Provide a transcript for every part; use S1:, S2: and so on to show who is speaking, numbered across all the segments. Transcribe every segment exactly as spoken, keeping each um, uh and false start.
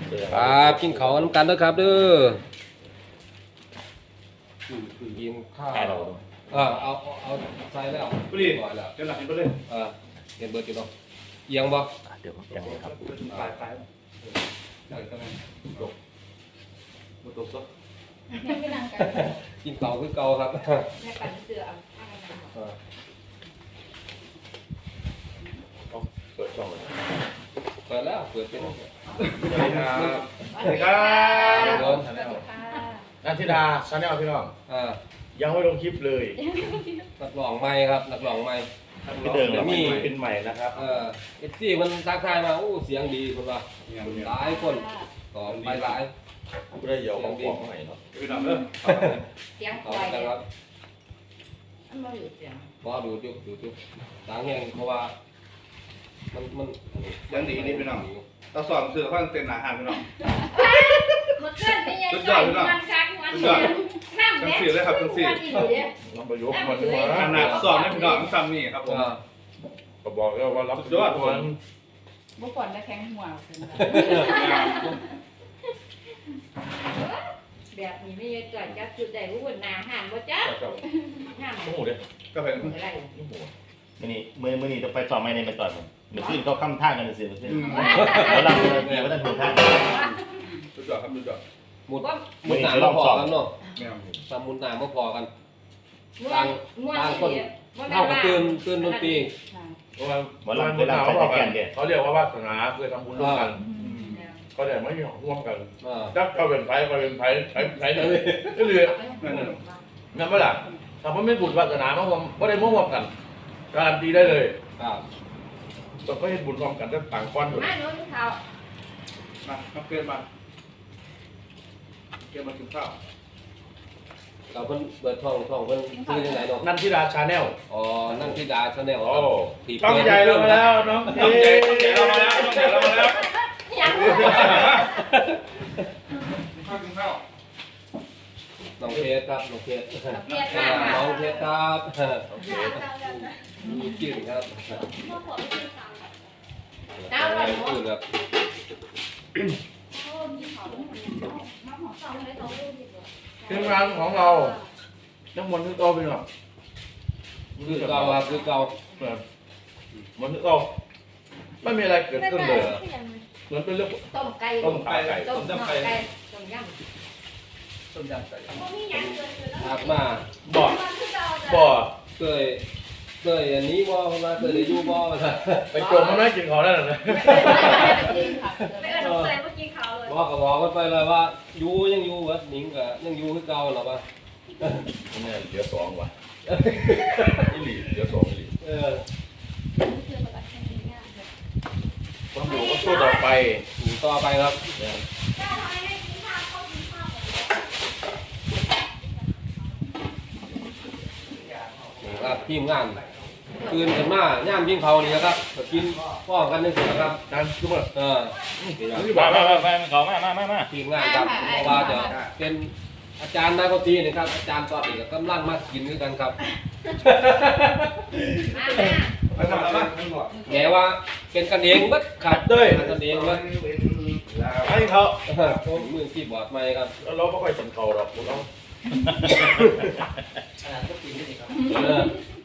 S1: ครับกินข้าวน้ำกันเด้อครับเด้อกินข้าวเออเอาเอาใส่แล้ว
S2: บุรี
S1: ก่อนแล้ว
S2: จะหลับกินไปเลย
S1: เออเห็นเบิร์ดกินบ่เอียงบ่
S3: เดี๋ยวผมจังเลยครับ
S2: ตายตายตายก็ไงตกตกซะ
S4: ยังไม่นั่งกัน
S1: กินข้าวคือเก่าครับ
S4: แม่ปั่นเสือเอาผ้ากันหนาว
S1: เออ
S3: เปิดช่องเลย
S1: เปิดแล้วเปิดเป็น
S2: สวัสดีครับสวัสดีครับ
S1: โดน
S4: สวัสดีค่ะ
S2: นันทิดาชาแนลพี่น้อง
S1: อ่า
S2: ยังไม่ลงคลิปเลย
S1: นักร้องใหม่ครับนักร้องใหม่
S2: เดิมแล้วมีเป็นใหม่นะครับ
S1: เออเอฟซีมันทักทายมาอู้เสียงดีคนว่าหลายคนต่อไปหลาย
S3: ไม่ได้เดี๋ยวของของใหม่เนาะ
S2: พี่น้องเด้อ
S4: เสียง
S1: ต่อ
S4: ควาย
S1: ไปครับ
S4: มันมาอยู่เสียง
S1: พอดูจุกดูจุกต่างแห่งเพราะว่ามันมัน
S2: ยังดีนี่พี่น้องเราสอนเสือข้างเต็นอาหารพี่น้อง
S4: มันเคลื่อนไปยังไงมันคักมันเสียงน้ำ
S2: ทั้ง
S4: เนี่ย
S2: สี่เลยครับทั้งสี่
S4: มันอยู่เนี่ย
S3: น้องประยุกต์มันมา
S2: ขนาดสอนให้พี่น้องทั้งซ้ำนี่ครับผม
S3: ก็บอกแล้วว่ารับ
S2: สุดยอดผม
S4: บุกก่อนแล้วแข็งหัวแบบนี้ไม่ยังก่อนจะจุดใดบุกหนาห่างว่าจ้าห่าง
S3: โอ้โหเดี๋ยว
S2: ก็เป็น
S4: อะไร
S3: โอ้โหมื่อนี้มื่อมื่อนี้จะไปต่อไม่ในไปต่อผมเมื่อคืนเขาค้ำท่ากันเลยสิเมื่อคืนเขาลังเลยเนี่ยว่าท่านถูกท่า
S2: สุดยอดครับสุดยอด
S1: มุดมุดหนามาพอกันเนาะ
S2: แมว
S1: ตามมุดหนามาพอกัน
S4: ม้วนม้วน
S1: ต่างคนเท่ากับตื่นตื่นดนตรี
S3: เพราะว่าหมอลำเวลาเขาบอกกันเขาเรียกว่าวาสนาเคยทำบุญร่วมกันเขาแต่ไม่มีของร่วมกัน
S1: อ่า
S3: ถ้าเขาเป็นไผ่เขาเป็นไผ่ไผ่ไผ่เลยก็เลยนั่นเมื่อไหร่ถ้าเขาไม่บุญวาสนาเขาไม่ได้ร่วมกันการันตีได้เลย
S1: ครับ
S3: ต้องเขาเห็นบุญร่วมกันจะต่างก้อนหมด
S4: มาโน้นเขา
S2: มาครับเกินมาเกินมากินข้าว
S1: เราเพิ่นเปิดท่องท่องเพิ่นซื้อยังไงเนาะ
S2: นันทิดาชาแนล
S1: อ๋อนั่งที่ดาชาแนล
S3: โอ้
S1: ที่
S3: ต้องใหญ่เรามาแล้วน้อง
S2: ต้องใหญ่ต้องใหญ่เรามาแล้วต้องใหญ่เรามาแล้ว
S4: อยาก
S2: ข้าวกินข้าว
S1: น้องเพชรครับน้องเพชร
S4: เพียร
S1: อ่าม
S4: าก
S1: น้องเพชรครับ
S3: โอเค
S1: มีกลิ่นครับ
S4: เจ้าหน่อย
S1: กลิ่นครับ
S3: ทีมงานของเราทั้งหมดทุกตัวเป็นหรอ
S1: คือเก่าครับคือเก่า
S3: หมดทุกตัวไม่มีอะไรเกิดขึ้นเลยเหมือนเป็นเรื่อง
S4: ต้มไก่
S3: ต้มไก่ไก่
S4: ต้มไก่ต้มยำ
S1: ต้มยำไก่หักมา
S3: บ่อบ่อ
S1: เคยเคยอันนี้บ่เพราะว่าเคยได้อยู่บ่ว่าซั่น
S3: ไปโจมมันไม่กินเขาได้หรอ
S4: ไม่เออใส่เมื่อกี้เขาเลย
S1: บอกก็บอกกันไปเลยว่าอยู่ยังอยู่วะหนิงก็ยังอยู่คือเก่าหรอวะ
S3: เนี่ยเหลือสองว่ะอีหลีเหลือสองอีหลี
S1: เออ
S3: ความอยู่ก็สู้ต่อไป
S1: อยู่ต่อไปครับนี่ครับทีมงานคืนกันมาย่ามยิงเขานี่นะครับก็กินป้องกันนึงสิครับ
S3: นั่นคือมัน
S1: เออ
S3: มามามามาเขามามามามา
S1: ทีมงานครับเพราะว่าจะเป็นอาจารย์นักดนตรีนะครับอาจารย์ตอนนี้ก็กำลังมากินด้วยกันครับ
S4: มามา
S2: ไปทำอะไรบ้าง
S1: แม้ว่าเป็นกันเองมัดครับเด้ยเป็นกันเองมัด
S3: ให้เขา
S1: ผมมือคีย์บอร์ดใหม่ครับ
S3: เราไม่ค่อยสนเขาหรอกพวกเรา
S1: เออ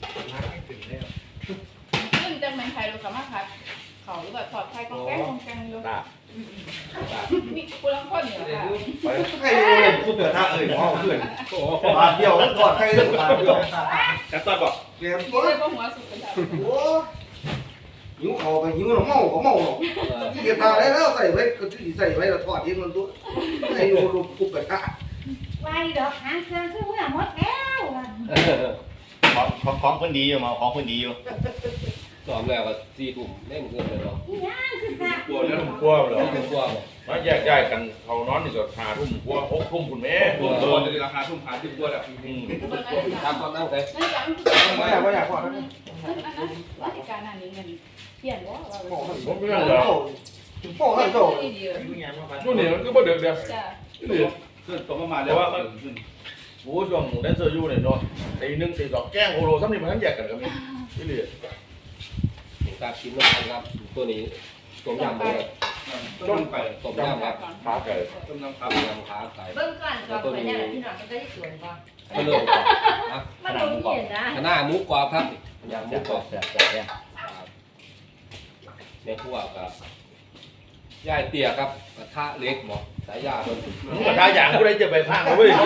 S4: ซึ่งจะเป็นใครรู้กับมาครับเขาหรือแบบถอดไทยกองแก้งกองแก้งอยู่
S3: ตา
S4: มีกูรังคนอยู่ค่ะ
S3: ไป
S5: ใครรู้เลยสุดเดือดท่าเอ่ยพ่อเพื่อน
S1: โอ้โห
S5: บาทเดียวแล้วกอดใครเลยบาทเดียว
S2: จัดตอนบอก
S5: เรียน
S4: กู
S5: ตัว
S4: เลยก็หัวสุดกันจ้ะ
S5: โอ้หิวเขาไปหิวเราเมาก็เมาหรอก
S1: เออ
S5: เกียร์ตาได้แล้วใส่ไว้ก็ที่ใส่ไว้แล้วทอดเองมันตัวไอ้โนรูปุบกระทะ
S4: ไว้ดอกหางเครื่องคือเมื่อหมดแล้ว
S3: ของของของคนดีอยู่มาของคนดีอยู่
S1: สอมแล้วก็สี่ถุ่มเล่นเกินเลยเนาะ
S4: นี่ย่างคือซะ
S3: กลัวเรื่องกลัวเหรอ
S1: เป็นกลัวบ่
S3: มาแยกย้ายกันเขานอนนี่ก็หาทุ่มกลัวหกทุ่มคุณแม่
S2: ตัวตัวจะราคาทุ่มหาที่ตัวแบบ
S3: อืม
S1: ทำความตั้งใจ
S4: นั่นจัง
S5: ไม่อยากไม่อยากพอแล้ว
S4: อันนั้นราชการอันนี้เงินเปลี่ยนว่าเรา
S5: พ่อให้ผมไม่ได้ถึงพ่อให้โต
S4: ดีดี
S3: ช่วงนี้มันก็บ่เดือดเดือด
S4: จ้ะ
S2: ขึ้นตรงประมาณแล้วว่าขึ้น
S3: โอ้ช่วงแดนเซอร์อยู่เนี่ยเนาะตีหนึ่งตีสองแกล้งโอโลซ้ำนี่มันทั้งแยกกันกันนี่นี่เลย
S1: การกินน้ำมันครับตัวนี้ต้มยำเลย
S2: ต้มไก่
S1: ต้มยำครับ
S3: ขาไก่
S2: ต้มน้ำ
S1: ต้
S2: ขา
S1: มยำขาไก่
S4: เบิ่งก่อนก่อนไปเนี่ยพี่น้องมันก็ได้สวนก่อน
S1: ก็เริ่มก่อนนะ
S4: มันลงเย็นนะ
S1: คณะหมูกรอบครับยำหมูกรอบ
S3: แซ่บแซ่บแซ่บ
S1: ครับในครัวกับย่ายเตี๋ยครับกระทะเล็กหมอสายยาเพิ่น
S3: มึงกระทาอย่างกูได้จะไปพังเว้ย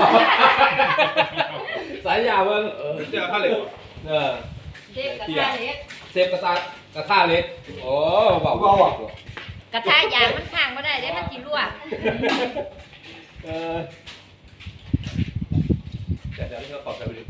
S1: สายยาเพิ่น
S2: เออเจ้าข้าวเหลว
S1: เออ
S4: เด็กกระทะเล็ก
S1: เซฟกระทะกระทะเล็กโอ้บอกว่า
S4: กระทะยางมันข้างบ่ได้เด้มันสิลวก
S1: เออ
S2: แต่เดี๋ยวเราขอใส่ไปดิ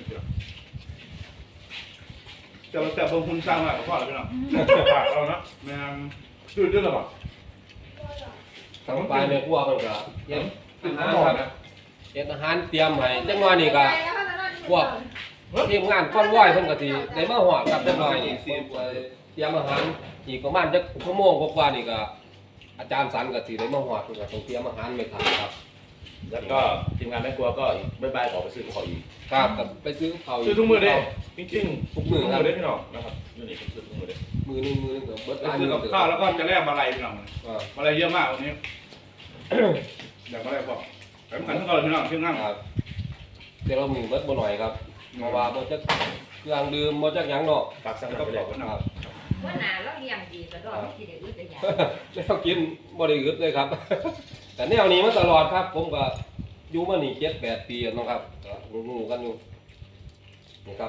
S2: แต่แต่บางคนสร้างมาพ่อเราพี่น้องฝากเรานะแม่ชื่อเรื่องอะไรบ้าง
S1: ทางไปในครัวเพิ่นก็เฮ็ดอาหารครับเฮ็ดอาหารเตรียมให้จังหวะนี้ก็พวกทีมงานก้อนว้อยเพิ่นก็สิได้มาฮอดครับจังหน่อยนี่สิเตรียมอาหารอีกประมาณจักชั่วโมงกว่าๆนี่ก็อาจารย์สันก็สิได้มาฮอดเพิ่นก็ต้องเตรียมอาหารไว้ทานครับ
S3: แล้วก็ทีมงานแม่ครัวก็อีกบ๊ายบายขอไปซื้อของอีก
S1: ครับก็ไปซื้อข้าว
S2: ชื่อทุกมือเด้
S3: จริงๆ
S1: ทุกมื้อครับ
S3: เด้พี่น้องนะครับนี่นี่ผมซื้อทุกมือเด้
S1: มือหนึงมือหนึงก็เบิด
S2: ไป
S1: ร้าน
S2: ซื้
S1: นึ
S2: อง กับข้าวแล้วก็จะแลกมาลัยพี่น้อง
S1: อ่า
S2: มาลัยเยอะมากวันนี้เดี๋ยวมาลัยบอกไปเหมือนทุกคนพี่น้องชื่อง่าย
S1: ครับเดี๋ยวเรามีเบิดบ่หน่อยครับเพราะว่าบ่จักเครื่องดื่มบ่จักหยังเนาะ
S3: ฝากสั่ง
S2: ก็
S3: ไป
S2: บ
S3: เล
S2: อย กว่าหนา
S4: ว่าหนาเราเลี้ยงดีก็ดอกสิได้อึดได้ยา
S1: แล้วกินบ่ได้อึดเลยครับ แต่แนวนี้มาตลอดครับ ผมก็อยู่มานี่เจ็ดแปดปีแล้วเนาะครับก็รู้ๆกันอยู่นี่ครับ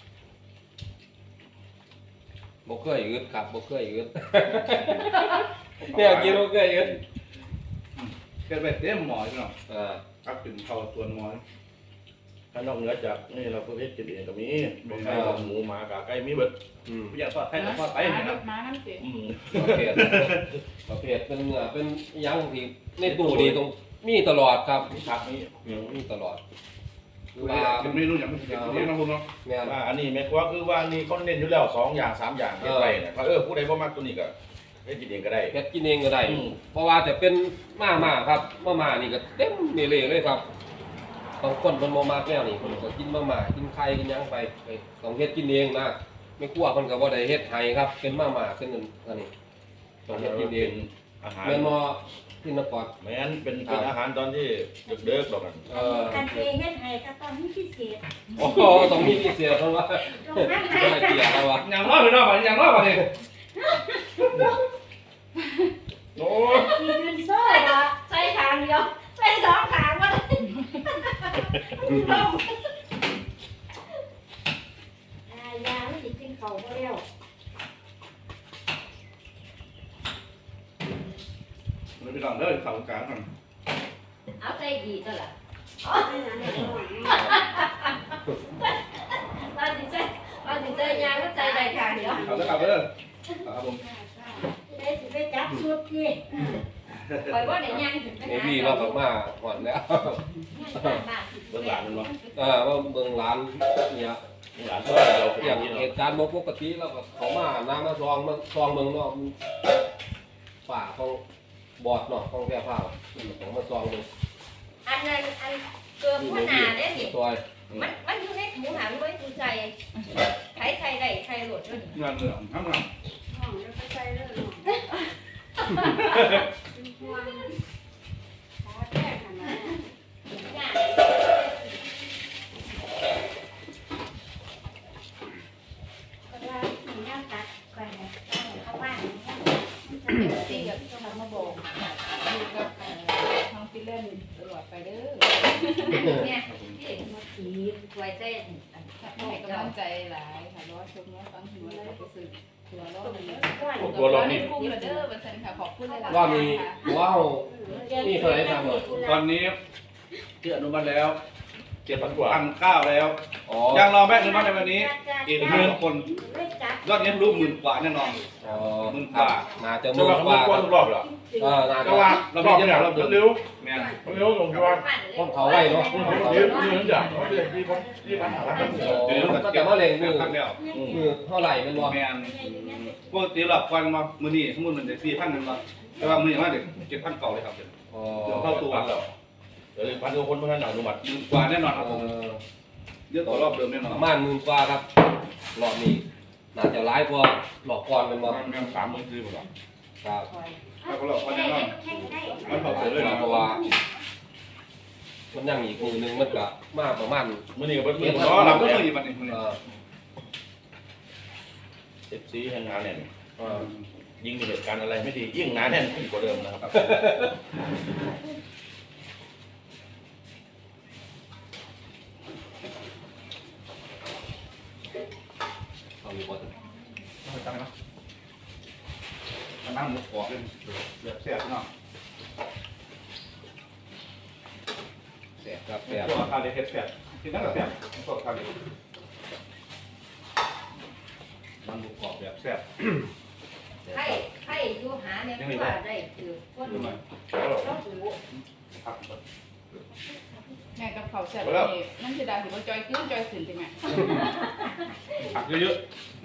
S1: บ่เคยอึดครับบ่เคยอึด เนี่ยกินบ่เคยอึด
S2: เกิดไปเต็มหมอพี่น้อง
S1: อ่า
S2: ครับถึงเขาตัวหมอ
S3: ถ้านอกเหนือจากนี่เราก็เฮ็ดกินเองก็มีบ่ไก่หมูหมากาไก่มีเบิด
S1: อืม
S2: พี่อยากทอดให้ทอดไปเห็นนะ
S6: มาน้ำเสีย
S3: อืม
S1: ประเภทประเภทเป็นเนื้อเป็นหยังที่ในตู้นี่ต้องมีตลอดครับ
S3: มีผักมี
S1: มีตลอดคือ
S2: ว่า
S1: ว่า
S2: เป็นเมนูอย่างเป็นเมนูนะคุณเนาะ
S1: แม่น
S3: ว่าอันนี้แม่ครัวคือว่านี่เขาเน้นอยู่แล้วสองอย่างสามอย่างเฮ็ดไปเนี่ยว่าเออผู้ใดบ่มักตัวนี้ก็เฮ็ดกินเองก็ได้
S1: เฮ็ดกินเองก็ได้
S3: อืม
S1: เพราะว่าจะเป็นมาม่าครับมาม่านี่ก็เต็มนี่เลยเลยครับบางคนเพิ่นบ่มักแนวนี้เพิ่นก็กินมาม่ากินไข่กินหยังไปไปต้องเฮ็ดกินเองนะไม่กลัวเพิ่นก็บ่ได้เฮ็ดให้ครับ เป็นมาม่าเป็นอันนี้ต้องเฮ็ดกินเอง
S3: อาหาร
S1: แม่นบ่ที่นคร
S3: แม่นเป็นเป็นอาหารตอนที่เด็กๆดอกกัน
S1: เอ่อ
S6: กันเองเฮ็ดให้ก็ต้องมีพิเศษ
S1: โอ้โหต้องมีพิเศษเพราะว่า
S6: ตรงนั้น
S1: ได้เกียรติแล้วว่า
S2: อย่างน้อยพี่น้องอย่างน้อยกว่านี้
S3: โอ้
S6: มีดืนโซ่ละ
S4: ใส่ขางเดียวใส่สองขางบ่ได้
S6: อ่ายาไม่ได้กินเขาบ่แล้ว
S2: พี่น้องเด้อข่าวกลางกัน
S4: เอาใส่ดีตัวล่ะ
S6: ไม่นานได้หรอก
S4: ว่าสิใส่ว่าสิใส่ยางก็ใส่ได้ขางเดียว
S2: ข่าวจะข่าวเด้อครับผม
S6: ได้สิไปจับชุดที่
S4: ข่อยบ่ได้ย่างถึง
S1: ไอ้พี่เราก็มาหอดแล้ว
S3: เบิ่งหลานมันบ่
S1: เออว่าเบิ่งร้านเนี่ย
S3: หลานตัวเรา
S1: อ
S3: อย่า
S1: ย่าง ง
S3: นี้
S1: เห
S3: เนาะ
S1: ตุการณ์บ่ปกติแล้วก็เขามาน้ำมาซองมาซองเมืองเนาะป่าของบอดเนาะของแก่ผ้าของมาซองเบิ่ง
S4: อันนั้นอันเกือบหัวหน้าเด้นี่
S1: ซอย
S4: มันมันอยู่ในหมูหันไว้ตูใจใช้ใช้ได้ใช้โหลดด้วยนี่
S2: งานเหนื่อยทั้งงาน
S6: ห้องแล้วก็ใส่เลยหน่อยเป็นห่วงขาแก้ขนาดนั้น
S4: งาน
S6: ก็ได้มีน้ำตัดไปนะเข้าบ้าน
S4: สิกับ
S6: ต้องมาบอก
S7: อยู่กับเอ่อท้องฟิลเลนตลอดไปเด้อ
S4: เนี่ย
S6: เด็กมาขีด
S4: ไว้ใจอัน
S7: ให้กำลังใจหลายค่ะรอชมรอฟังหัวแล้วก็สึกตัวรอดเลย
S6: ก้อน
S3: ตัวเรา
S7: ใน
S3: นี่
S7: กลุ่มละเด้อบัดซั่นค่ะขอบคุณหลายๆ
S1: ว่ามี
S7: ค่ะ
S1: ว้าว นี่เท่าไหร่ครับ
S2: ตอนนี้ที่อนุมัติแล้ว
S3: เจ็ดพันกว่า
S2: พันเก้าแล้ว
S1: อ๋อ
S2: ยังรอแม่อนุมัติในวันนี้อีกหมื่นคน
S6: ไม่จับ
S2: ยอดนี้รู้หมื่นกว่าแน่นอน
S1: อ๋อ
S2: หมื่นกว่า
S1: น่าจะ
S3: จะ
S1: หมื่น
S3: ว่าก
S1: ว่า
S3: เขา
S1: ค
S3: ไม่
S1: รับ
S3: กวนทุกรอบเหรอ
S1: เออน่า
S2: แต่
S1: จะ
S2: ว่าเรา
S3: รอบ
S2: เย
S3: เนี่ย
S2: อะ
S3: เรา
S2: เรา
S3: เดิ
S2: เดิ
S3: น
S2: น
S3: เร็ว
S2: แม่น
S3: เร็วลงที่ว่า
S1: ผมเขาไว้เนาะ
S3: เดี๋ยวเดี๋ยวอย่างเขาเรียกที่เขาที่ปัญหาแล้ว
S1: โอ้ก็จะมาเล่งมือ
S2: พันเดียว
S1: มือเท่าไหร่เป็นบ่
S2: แม่นปกติหลับควันมามือนี้สมมุติมันจะสี่พันนึงมาแต่ว่ามือนี้มาเด็กเจ็ดพันเก่าเลยครับ
S1: อ๋อ
S2: เดี๋ยวเข้าตัว
S3: แล้วเดี๋ยวพันกว่าคนเท่านั้นอนุมัติ
S2: หมื่นกว่าแน่นอนครับ
S1: เอ
S2: ผม
S1: อ
S2: เยอะกว่ารอบเดิมแน่นอ
S1: ป
S2: น
S1: ระมาณหมื่นกว่าครับรอบนี้น่าจะร้ายกว่าหลอกก่อนเป็นบ่
S3: แม่งสามหมื่นซื้อหมดหรอ
S1: ครับ
S2: ถ้าเขาหลอกวันนี้ก็
S6: แข่งได้
S2: มันเผาเสือเลยนะ
S1: เพราะว่ามันยังอีกมือหนึงมันก็มาประมาณ
S3: มื้อนี้ก็เบิดมื้อ
S2: อ๋อ
S3: เนาะ
S2: เรา
S3: เรา
S2: ก็
S3: ก็
S2: ต้องมีวันนี้
S1: เอ่อ
S3: เจ็บซีแห่งงานเนี่ย
S1: เอ่อ
S3: ยิ่งมีเหตุการณ์อะไรไม่ดียิ่งหนาแน่นขึ้นกว่าเดิมนะครับ
S1: เอาอยู่บ่ถึง
S2: จำไหมเนาะมันนั่งหมูกรอบเลยแบบแซ่บเนาะ
S1: แซ่บครับ
S2: แซ่
S1: แซ่
S2: บบ ตัวคาเดเฮ็ดแซ่บกินนั่งกับแซ่บตัวคาเดมันหมูกรอบแบบแซ่บ
S4: ไข่ไข่อยู่หาเนี่ยว่าได้คือคน
S2: ดูหน่อย
S4: เราหู
S2: ครับ
S7: แม่กับเขาแซ่บนี่นั่นสิดาสิบ่จอยขึ้นจอยขึ้นจังไง
S2: ผักเยอะ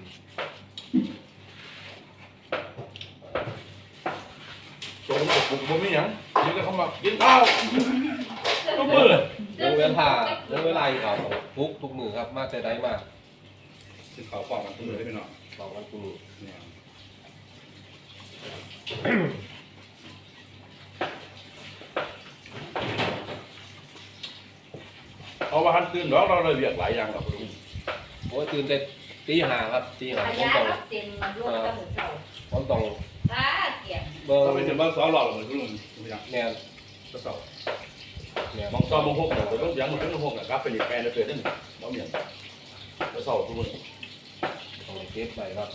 S3: โจมกับผมผมไม่หยังยิงก็เข้ามากินข้าวทุกมื้อ
S1: เรื่องเวลาเรื่องเวลาเขาทุกทุกมือครับมาแต่ใดมา
S2: ๆซึ่งเขาปอกกันทุกมือได้ไปหน่อย
S1: สองวันทุกมือ
S2: เนี่ย
S3: เพราะว่าหันตื่นเนาะเราเลยเรียกหลายอย่างครับลุง
S1: โอ้ยตื่นแต่ตีห้าครับตีห้า
S4: ข
S1: ผม
S4: ยะ
S1: ต้อง
S4: รับเต็มรถตะหมูเจ้า
S1: ผมต้อง
S4: ตาเกี่ยง
S1: เบิ่ง
S2: เราไปถึงบ้านซ้อหล่อเหมือนคุณลุงทุกอย่าง
S1: แม่น
S2: ก็เสา
S1: แม่น
S3: มองซ้อมมองหกเนี่ยผมต้องยังมันถึงหกอ่ะครับเป็นอีกแปลนเลยเกิดขึ้นบ่มีหยังแล้วเศร้าทุกมื้อ
S1: ต้องเก็บไปครับ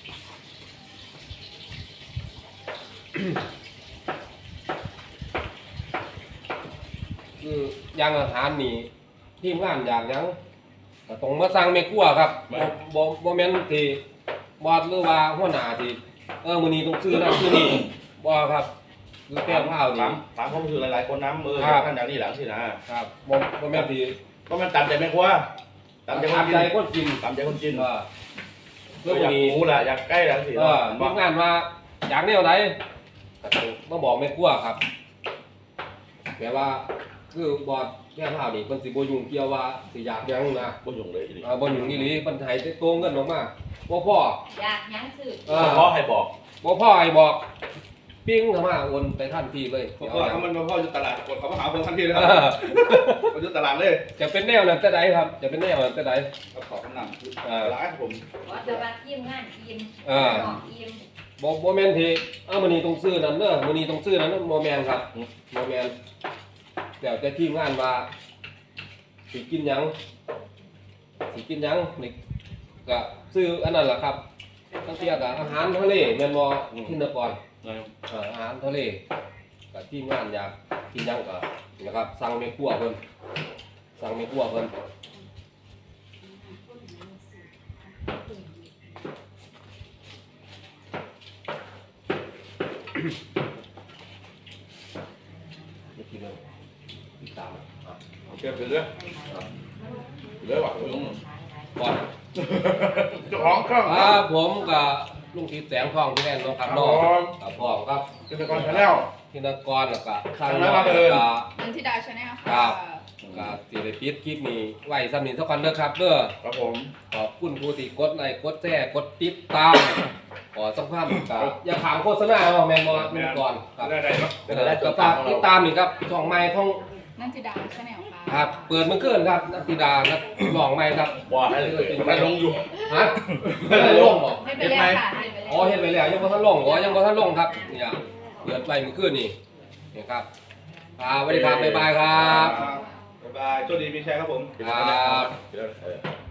S1: คืออย่างอาหารนี่ทีมงานอยากหยังก็ต้องมาสั่งแม่ครัวครับบ่บ่บ่แม่นที่บอสหรือว่าหัวหน้าที่เออมื้อนี้ต้องซื้อนั่นซื้อนี่บ่ครับคือแก้วข้าวนี่
S3: ถามถามความรู้สึกหลายๆคนน้ำเออ
S1: ครับ
S3: ท่านอย่างนี้หลังสินะครับ
S1: บ่บ่แม่นที่
S3: ก็มันตามใจแม่ครัวตามใจคน
S1: ตาม
S3: กิ
S1: ใจ
S3: น
S1: คนกิน
S3: ตามใจคนกิน
S1: เออ
S3: เพื่
S1: เพื่
S3: อ
S1: อ
S3: อ
S1: มื้
S3: ยา
S1: อก นี้
S3: หมูแหละอยากใกล้หลังสิ
S1: เออทีมงานว่าอยากแนวใดก็ต้องมาบอกแม่ครัวครับแต่ว่าคือบอสแก้วข้าวนี่เพิ่นสิบ่ยุ่งเกี่ยวว่าสิอยากหยังนะ
S3: บ่ยุ่งเลยอีหลี
S1: อ่าบนอยู่นี่หลีปัญหาได้โตเงินออกมาบ่พ่อ
S4: อยากยังซื้อ
S1: เอ
S3: เฉ
S1: อ
S3: พาะให้บอก
S1: บ่พ่อไอ้บอกปิ้งเข้ามาโอนไปทันทีเลย
S2: เพราะ
S1: เดี๋ยว
S2: ว่า
S1: เอา
S2: เขามันมาพ่ออยู่ตลาดกดเขามาหาคนทันทีเลย
S1: เอ
S2: ครับ
S1: อ
S2: เขาอยู่ตลาดเลย
S1: จะเป็นแนวนั้นแต่ใดครับ จะเป็นแนวนั้นแต่ใด
S2: เขาขอคำนำคือ
S1: เออ
S2: ร้านผม
S4: ขอจะมายิ้มงานยิ้ม
S1: เออ
S4: ยิ้ม
S1: บ่บ่แม่นที่เอ้ามื้อนี้ต้องซื้อนั่นเด้อมื้อนี้ต้องซื้อนั่นบ่แม่นครับบ่แม่นแล้วแต่ทีมงานว่าสิกินหยังสิกินหยังนี่ก็ซื้ออันนั้นล่ะครับตั้งแต่ก็อาหารทะเลแม่นบ่ที่นคร
S3: นะ
S1: เอ่ออาหารทะเลกับที่งานอยากกินหยังก็นะครับสั่งแม่ครัวเพิ่นสั่งแม่ครัวเพิ่นไม่กินเลยติดตามอ่ะ
S3: โอเคไปเรื่อยไปเรื่อยว่ะลุง
S1: ก่อน
S3: เจ้าของช่อง
S1: อ่าผมกับลุงทิศแสงทองพี่แน่นเนาะครับน้องกับพ่อครับ
S3: กิจกรชาแนล
S1: ธินกรแล้วก็ทาง
S3: ทาง
S1: น้
S3: นั้
S1: อน ง
S3: มา
S1: แล้ว
S3: เอิ้น
S1: ก็
S7: นันทิดาชาแนล
S1: ครั
S7: ค่ะ
S1: บ ก็สิได้ปิดคลิปนี้ไว้ซ้ำนี้เท่ากันเด้อครับเด้อ
S3: ครับผม
S1: ขอบคุณผู้ที่กดไลค์กดแชร์กดติดตาม ขอสัมภาษณ์กับอย่าถามโฆษณาเอาแมนบอลมันก่อนครับ
S2: ได้ได้เนาะ
S1: เออก็ฝากติดตามนี่ครับช่องใหม่ของ
S7: นันทิดาชาแนลค่ะ
S1: ครับเปิดมันเกินครับนักกีฬานักร้องใหม่ครับ
S3: ว่าให้เลยมันได้ลงอยู่
S1: ฮะไม่ได้ลงบ่
S7: ให้ไปแล้วค่ะให้ไปแล้ว
S1: อ๋อเห็นไปแล้วยังบ่ทันลงอ๋อยังบ่ทันลงครับเนี่ยเปิดไปมันเกินนี่นี่ครับครับสวัสดีครับบ๊ายบายครับ
S2: บ๊ายบายโชคดีมีแชร์ครับผม
S1: ครับ
S3: เดี๋ยวเออ